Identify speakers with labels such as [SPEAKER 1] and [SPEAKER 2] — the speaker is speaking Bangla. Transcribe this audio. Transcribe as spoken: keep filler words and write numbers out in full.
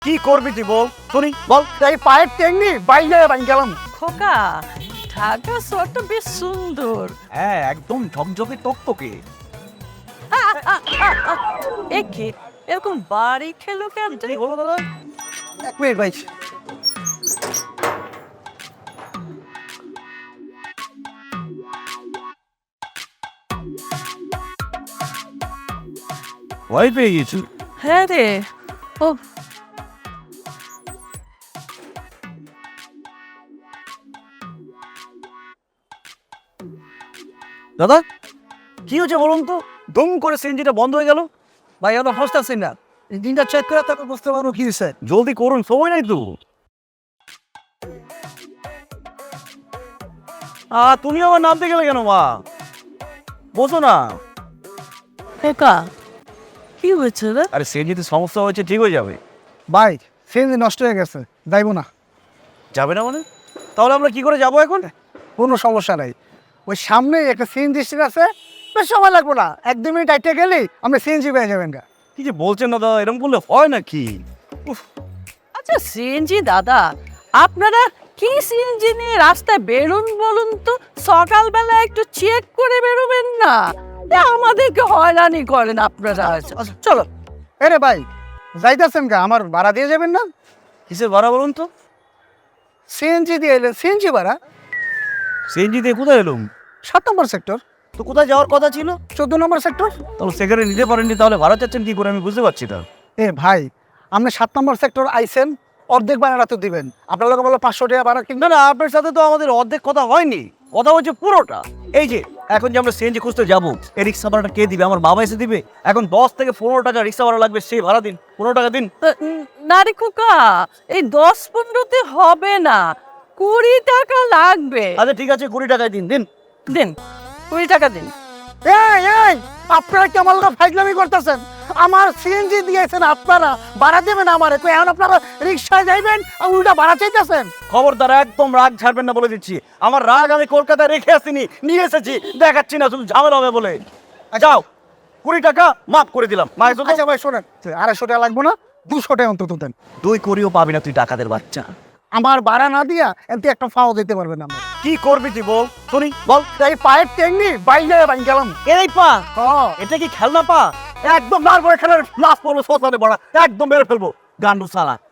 [SPEAKER 1] কি করবি তুই বল শুনি বল। এই পায়ের টেকনি বাইরে বাইরে গেলাম।
[SPEAKER 2] খোকা, ঢাকা শহরটা বেশ সুন্দর।
[SPEAKER 1] হ্যাঁ একদম ঝকঝকে টকটকে।
[SPEAKER 2] একে এরকম বাড়ি খেলো কেন?
[SPEAKER 1] এই হলো দাদা, এক মিনিট ভাই। ভয় পেয়ে গেছি।
[SPEAKER 2] হ্যাঁ রে, ও
[SPEAKER 1] দাদা কি হয়েছে বলুন তো, দম করে সিএনজিটা বন্ধ হয়ে গেল।
[SPEAKER 3] ভাই আমরা বুঝতেছি না, ইঞ্জিনটা চেক করে তারপর বুঝতে পারবো কি হয়েছে।
[SPEAKER 1] জলদি করুন, সময় নাই তো। আ তুমি আমার নামতে গেলে কেন মা? বসো না।
[SPEAKER 2] খোকা, কি হয়েছে রে?
[SPEAKER 1] আরে সিএনজিতে সমস্যা হয়েছে, ঠিক হয়ে যাবে।
[SPEAKER 3] ভাই সিএনজি নষ্ট হয়ে গেছে, যাইবো না।
[SPEAKER 1] যাবে না মানে? তাহলে আমরা কি করে যাবো এখন?
[SPEAKER 3] কোনো সমস্যা নাই, ওই সামনে একটা সিএনজি স্টেশন আছে, বেশ সময় লাগবো না, এক দু মিনিট আইটে গেলেই আমরা সিএনজি পেয়ে যাবেন গা।
[SPEAKER 1] কি যে বলছেন না দাদা, এরকম বললে হয় নাকি?
[SPEAKER 2] আচ্ছা সিএনজি দাদা, আপনারা কি সিএনজি নিয়ে রাস্তায় বেরোন বলুন তো? সকালবেলা একটু চেক করে বেরোবেন না? এ, আমাদেরকে হয়রানি করেন আপনারা। চলো।
[SPEAKER 3] এরে ভাই যাইতেছেন গা, আমার ভাড়া দিয়ে যাবেন না?
[SPEAKER 1] কিসের ভাড়া বলুন তো?
[SPEAKER 3] সিএনজি দিয়ে এলেন, সিএনজি ভাড়া।
[SPEAKER 1] সিএনজি দিয়ে কোথায় এলুম?
[SPEAKER 3] সাত নম্বর সেক্টর,
[SPEAKER 1] তো কোথায় যাওয়ার কথা ছিল?
[SPEAKER 3] চোদ্দ নম্বর সেক্টর।
[SPEAKER 1] তাহলে সেখানে নিতে পারেননি, তাহলে ভাড়া চাচ্ছেন কি করে আমি বুঝতে পারছি না।
[SPEAKER 3] এ ভাই আপনি সাত নম্বর সেক্টর আইসেন, অর্ধেক ভাড়া তো দিবেন। আপনার লোক বলো পাঁচশো টাকা ভাড়া কিনবেন।
[SPEAKER 1] না না, আপনার সাথে তো আমাদের অর্ধেক কথা হয়নি, কথা হচ্ছে পুরোটা। এই যে এখন যে আমরা সিএনজি খুঁজতে যাবো, এই রিক্সা ভাড়াটা কে দিবে? আমার বাবা এসে দিবে। এখন দশ থেকে পনেরো টাকা রিক্সা ভাড়া লাগবে, সেই ভাড়া দিন, পনেরো টাকা দিন।
[SPEAKER 2] উম, না রে খোকা, এই দশ পনেরোতে হবে না, কুড়ি টাকা লাগবে।
[SPEAKER 1] আচ্ছা ঠিক আছে, কুড়ি টাকায় দিন দিন।
[SPEAKER 2] দিন, কুড়ি টাকা দিন।
[SPEAKER 3] এই এই আপনারা কি আমার লোক ফাইজলামি করতেছেন? আমার সিএনজি দিয়েছেন, আপনারা ভাড়া দেবেন আমারে, তো এখন আপনারা রিক্সায় যাইবেন আর উল্টা ভাড়া চাইতেছেন।
[SPEAKER 1] খবরদার একদম রাগ ছাড়বেন না বলে দিচ্ছি। আমার রাগ আমি কলকাতায় রেখে আসিনি, নিয়ে এসেছি, দেখাচ্ছি না, শুধু ঝামেলা হবে বলে। যাও, কুড়ি টাকা মাফ করে দিলাম। মায়ের জন্য
[SPEAKER 3] আচ্ছা ভাই শোনেন, আড়াইশো টাকা লাগবো না, দুশো টাকা অন্তত দেন।
[SPEAKER 1] দুই করিও পাবি না তুই, ডাকাতের বাচ্চা।
[SPEAKER 3] আমার ভাড়া না দিয়া এতে একটা ফাও দিতে পারবেন না।
[SPEAKER 1] কি করবি তুই বল শুনি বল।
[SPEAKER 3] এই পায়ের টেকনি বাইরে বাইরে গেলাম।
[SPEAKER 1] এই পা,
[SPEAKER 3] হ্যাঁ
[SPEAKER 1] এটা কি খেলনা পা? একদম মারবো, এখানে লাশ পড়লো শ্মশানে বড়া, একদম মেরে ফেলবো গান্ডু সালা।